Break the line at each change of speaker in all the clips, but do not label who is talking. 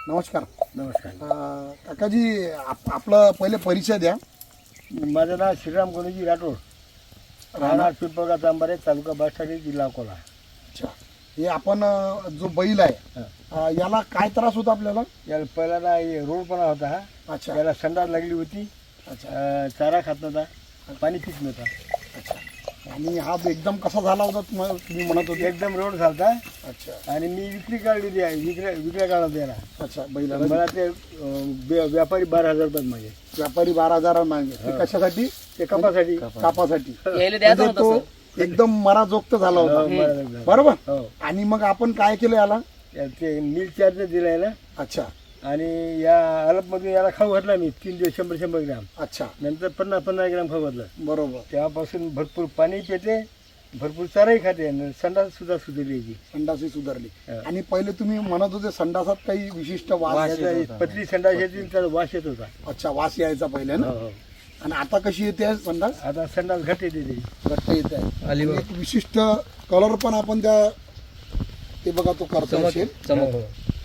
नमस्कार.
नमस्कार.
काकाजी आपलं पहिले परिचय द्या.
माझं नाव श्रीराम गोनीजी राठोड, राहणार पिंपळगाव तांबारे, तालुका बासष्टाडी, जिल्हा अकोला.
अच्छा, हे आपण जो बैल आहे याला काय त्रास होता आपल्याला?
याला पहिल्यांदा रोडपणा होता हा.
अच्छा
याला संडास लागली होती.
अच्छा
चारा खात नव्हता, पाणी पित नव्हता.
अच्छा. आणि हा एकदम कसा झाला होता तुम्ही म्हणत होते?
एकदम रोड झालता.
अच्छा
आणि मी विक्री काढलेली आहे, विक्री काढला त्याला.
अच्छा. बैलाला
मला ते व्यापारी 12,000 रुपये मागे.
व्यापारी 12,000 मागे. ते कशासाठी?
ते कपासाठी.
कापासाठी.
द्यायचं
म्हणजे तो एकदम मराजोक्त झाला होता, बरोबर.
हो.
आणि मग आपण काय केलं याला?
ते मिल चार्ज दिला याला.
अच्छा
आणि या अलपमधून याला खाऊ घातला मी 3 दिवस 100 ग्राम.
अच्छा.
नंतर 50 ग्राम खाऊ घातलं.
बरोबर.
तेव्हापासून भरपूर पाणी पिते, भरपूर चाराही खाते, संडास सुद्धा सुधारली याची.
संडासही सुधारली.
हा.
आणि पहिले तुम्ही म्हणत होते संडासात काही विशिष्ट वास
याचा पतली संडास येते, त्याचा वास येत होता.
अच्छा, वास यायचा पहिले ना.
हो.
आणि आता कशी येते संडास?
आता संडास घट येते ती.
घट्ट येत आहे. आणि एक विशिष्ट कलर पण आपण त्या ते बघा तो करतो असेल.
हो.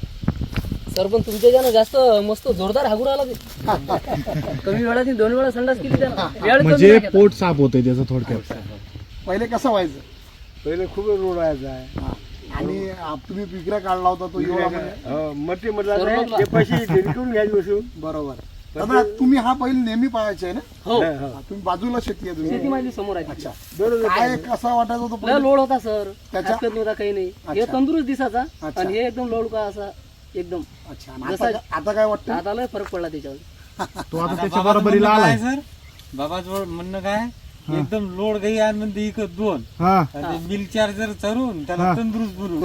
सर पण तुमच्या ज्यानं जास्त मस्त जोरदार हागून आला ते. कमी वेळात 2 वेळा संडास केली त्यानं. वेळ कमी
म्हणजे
नाही घेतला.
पोट साफ होतंय त्याचं थोडक्यात.
पहिले कसं व्हायचं?
पहिले खूप रोड व्हायचा.
हा. आणि तुम्ही पिकऱ्या काढला होता तो एवढा म्हणजे.
हो, मटे म्हटलं ते पैसे रिटून घ्यायची बसून.
बरोबर. दादा तुम्ही हा बैल नेहमी पाहायचे ना?
हो,
तुम्ही बाजूला शेती आहे
शेती
तुम्ही.
माझी समोर आहे.
अच्छा.
बरोबर.
काय कसा वाटायचा तो
लय
पहिले?
लोड होता सर,
त्याच्या-
हरकत नव्हता काही नाही. हे
अच्छा.
तंदुरुस्त दिसायचा
अच्छा.
आणि हे एकदम लोड का असा एकदम.
अच्छा. आणि आता काय वाटतं?
आता लय फरक पडला त्याच्यावर.
तो आता त्याच्या बरोबरीला आलाय.
सर बाबाचं म्हणणं काय, एकदम लोड गई आणि म्हणते इकत 2
हा
आणि मिल चार्जर चरून त्याला तंदुरुस्त बनवू.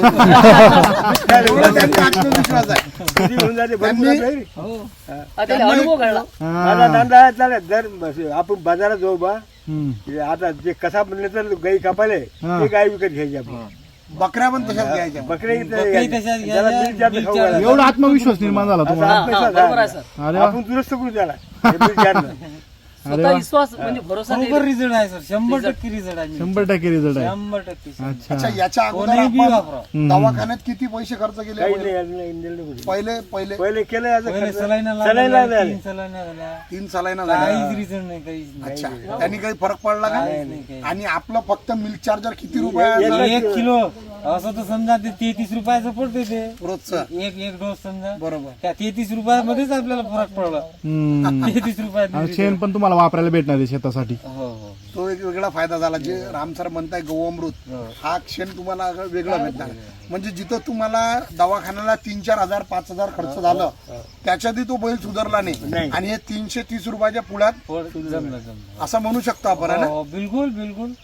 एवढा त्यांचा आत्मविश्वास आहे.
किती होऊन जाते भरपूर
त्यांनी-
आपल्याकडे.
हो.
आता त्याला अनुभव कळला.
माझा धंदा चालेल. जर आपण बाजारात जाऊ बा,
हम्म.
आता जे कसा म्हणले तर गाई कापाले ते गाय विकत घ्यायची आपण.
बकऱ्या पण तशाच घ्यायच्या.
बकरे
बकरी तशाच
त्याला
घ्यायच्या,
मिल चार्ज
मिल
खाऊ
चार्ज.
घालायचा.
एवढा आत्मविश्वास निर्माण झाला तुम्हाला.
असा
हा, बरोबर आहे सर.
अरे वा.
आपण दुरुस्त करू त्याला. हे मिल चार्ज.
स्वतः विश्वास म्हणजे भरोसा
बरोबर
नाही.
रिझल्ट आहे सर, 100% रिझल्ट आहे.
100% रिझल्ट आहे.
100% सर.
अच्छा.
अच्छा.
याच्या अगोदर
कोणीही बी
आपण
वापरा.
दवाखान्यात किती पैसे खर्च केले?
काही नाही, नाही, नाही, नाही.
पहिले पहिले
पहिले केलं याचं
पहिले
खर्च.
सलाईना
सलाईन
लागल्या,
लागल्या.
3 सलाईना झाल्या.
3 सालाईना झाला.
काहीच रिझल्ट नाही, काहीच नाही.
अच्छा. त्यांनी काही फरक पडला का?
काहीच नाही, काहीच
आणि आपलं फक्त मिल्क चार्जर किती रुपयाचं?
1 किलो असं तर समजा ते 33 रुपयाचं पडते ते.
रोजचं.
एक डोस समजा
बरोबर.
त्या 33 रुपयामध्येच आपल्याला फरक पडला.
हम्म.
33 रुपयात.
आणि शेण पण तुम्हाला वापरायला भेटणार आहे शेतासाठी.
हो हो.
तो एक वेगळा फायदा झाला. जे राम सर म्हणताय गौअमृत, हा क्षण तुम्हाला वेगळा भेटणार. म्हणजे जिथं तुम्हाला दवाखान्याला 3-4 हजार 5,000 खर्च झालं, त्याच्यातही तो बैल सुधारला नाही. आणि हे 330 रुपयाच्या पुढ्यात
जमलं जमलं.
असं म्हणू शकतो आपण है ना?
हो, बिलकुल बिलकुल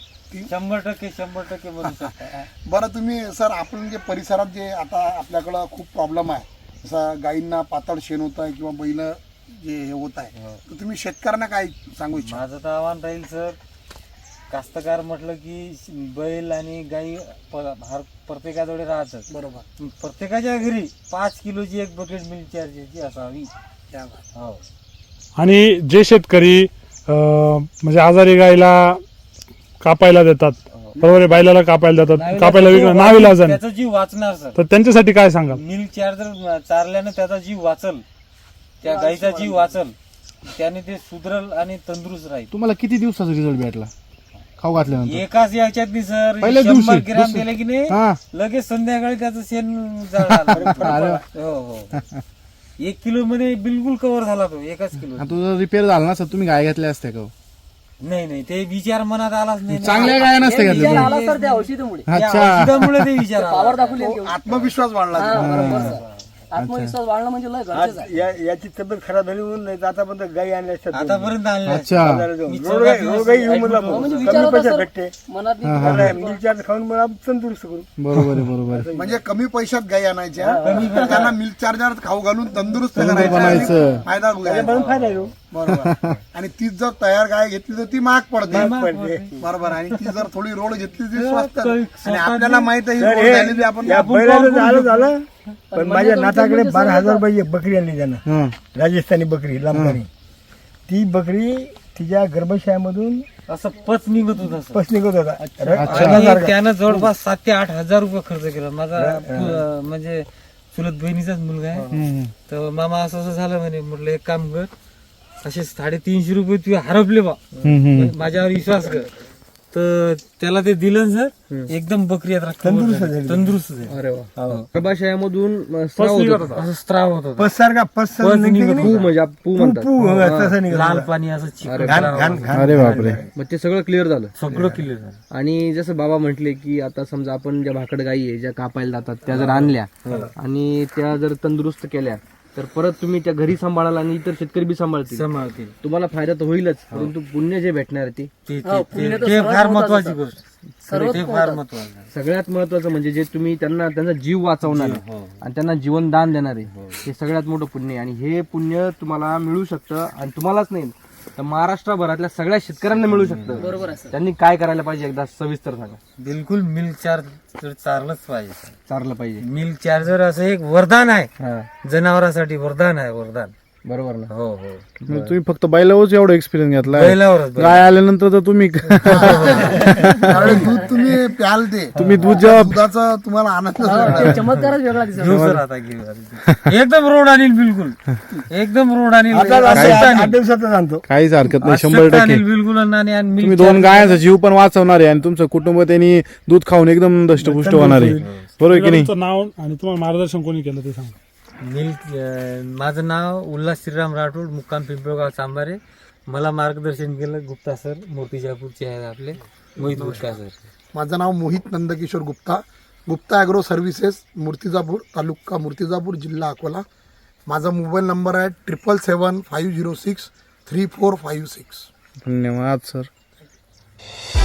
100% म्हणू शकता.
बरं तुम्ही सर, आपण जे परिसरात जे आता आपल्याकडं खूप प्रॉब्लेम आहे, जसं गायींना पातळ शेण होत आहे किंवा बैल जे हे होत आहे, तर तुम्ही शेतकऱ्यांना काय सांगू इच्छा?
माझं तर आव्हान राहील सर, कास्तकार म्हटलं की बैल आणि गाई प्रत्येकाजवळ राहतात.
बरोबर.
प्रत्येकाच्या घरी 5 किलोची एक बकेट मिल्क चार्जरची असावी. हो.
आणि जे शेतकरी म्हणजे आजारी गायला कापायला देतात, बरोबर आहे, बैलाला कापायला देतात, कापायला विकणं नाविलाजाने,
त्याचा जीव वाचणार सर.
तर त्यांच्यासाठी काय सांगाल?
मिल्क चार्जर चारल्यानं त्याचा जीव वाचल, त्या गाईचा जीव वाचल, त्याने ते सुधरल आणि तंदुरुस्त राहील.
तुम्हाला किती दिवसाचा रिझल्ट भेटला खाऊ घातल्यानंतर?
एकाच याच्यात सर
पहिल्या
100
दिवशी,
ग्राम दिले की नाही,
हा.
लगेच संध्याकाळी त्याचं शेण जळालं. हो हो. 1 किलो मध्ये बिलकुल कव्हर झाला तो, एकाच किलो.
आणि तो जर रिपेअर झाला ना सर, तुम्ही गाय घेतल्या असत्या का?
नाही नाही, ते विचार मनात आलाच नाही.
चांगल्या गाय नसत्या
विचार
घेतल्या.
आला सर त्या औषधामुळे.
त्या
अच्छा.
औषधामुळे ते विचार आला.
पावर दाखवली आहे तेवढी.
आत्मविश्वास वाढला.
हा, बरोबर सर. आत्मविश्वास वाढणं म्हणजे लय गरजेचं
आज
आहे.
याची तब्येत खराब झाली म्हणून नाही तर आतापर्यंत गाई आणल्या असतात.
आतापर्यंत आणलं.
अच्छा.
मी
रोगाई येऊ म्हणला
म्हणजे
कमी
विचार होता
पैशात
सर
भेटते.
मनात नाही.
मिल चार्ज खाऊन मला तंदुरुस्त करू.
बरोबर आहे, बरोबर आहे.
म्हणजे कमी पैशात गायी आणायच्या, त्यांना मिल्क चार्जर खाऊ घालून तंदुरुस्त करायचं
बनायचं.
आणि फायदा घ्यायचा.
म्हणून फायदा आहे तो.
बरोबर. आणि तीच जर तयार गाय घेतली तर ती महाग पडते.
पडते.
बरोबर. आणि ती जर थोडी रोड घेतली ती स्वस्त.
काही
आणि
स्वतः
आपल्याला माहित आहे ही
तर
रोड
हे-
झालेली आपण
या बैलाचं झालं पण माझ्या नाताकडे 12,000 रुपये एक बकरी आणली त्यानं,
हा.
राजस्थानी बकरी लांबणी. ती बकरी तिच्या गर्भशयामधून
असं पच निघत होत असं.
पस निघत होता.
आणि त्यानं जवळपास 7,000 ते 8,000 रुपये खर्च केला. माझा म्हणजे चुलत बहिणीचाच मुलगा आहे. तर मामा असं असं झालं म्हणे. म्हटलं एक काम कर, असे 350 रुपये तू हरपले बा, माझ्यावर विश्वास कर. तर त्याला ते दिलं सर, एकदम बकरी आता तंदुरुस्त झाली.
अरे वा. गर्भाशयामधून स्त्राव होत होता.
असं स्त्राव होत होता.
पस सारखा पस
पस निघत
पू म्हणजे पू म्हणतात.
तसं निघालं.
लाल पाणी असं चिकट
अरे बापरे.
मग ते सगळं क्लिअर झालं.
सगळं क्लिअर झालं.
आणि जसं बाबा म्हटले की आता समजा आपण ज्या भाकड गायी आहे ज्या कापायला जातात त्या जर आणल्या आणि त्या जर तंदुरुस्त केल्या तर परत तुम्ही त्या घरी सांभाळाल आणि इतर शेतकरी बी सांभाळतील.
सांभाळतील.
तुम्हाला फायदा तर होईलच, परंतु पुण्य जे भेटणार आहे
ते फार महत्वाची गोष्ट. ते फार महत्वाचं.
सगळ्यात महत्वाचं म्हणजे जे तुम्ही त्यांचा जीव वाचवणार आहे आणि त्यांना जीवनदान देणार आहे हे सगळ्यात मोठं पुण्य आहे. आणि हे पुण्य तुम्हाला मिळू शकतं आणि तुम्हालाच नाही तर महाराष्ट्रभरातल्या सगळ्या शेतकऱ्यांना मिळू शकतं. बरोबर. त्यांनी काय करायला पाहिजे एकदा सविस्तर सांगा.
बिलकुल मिल्क चार्जर चारलंच पाहिजे.
चारलं पाहिजे.
मिल्क चार्जर असं एक वरदान आहे, जनावरांसाठी वरदान आहे, वरदान.
बरोबर ना.
हो हो.
तुम्ही फक्त बैलावरच एवढा एक्सपिरियन्स घेतला.
बैलावरच
गाय आल्यानंतर तर तुम्ही
त्यावेळी दूध तुम्ही प्याल ते
तुम्ही दूध जेव्हा
दुधाचा तुम्हाला आनंद
ते चमत्कारच वेगळा दिसला.
घेऊ सर आता घेऊ. एकदम रोड आणील, बिलकुल एकदम रोड आणील.
आता असं 8 दिवसातच आणतो.
काहीच हरकत नाही, 100%
बिलकुल आणि
तुम्ही 2 गायांचा जीव पण वाचवणार आहे आणि तुमचं कुटुंब त्यांनी दूध खाऊन एकदम दष्टपुष्ट होणार आहे. बरोबर की नाही?
तुमचं नाव आणि तुम्हाला मार्गदर्शन कोणी केलं ते सांगा.
माझं नाव उल्हास श्रीराम राठोड, मुक्काम पिंपळगाव चांबारे. मला मार्गदर्शन केलं गुप्ता सर, मूर्तिजापूरचे आहेत आपले, मोहित गुप्ता सर.
माझं नाव मोहित नंदकिशोर गुप्ता, गुप्ता ॲग्रो सर्व्हिसेस, मूर्तिजापूर, तालुका मूर्तिजापूर, जिल्हा अकोला. माझा मोबाईल नंबर आहे 777-506-3456.
धन्यवाद सर.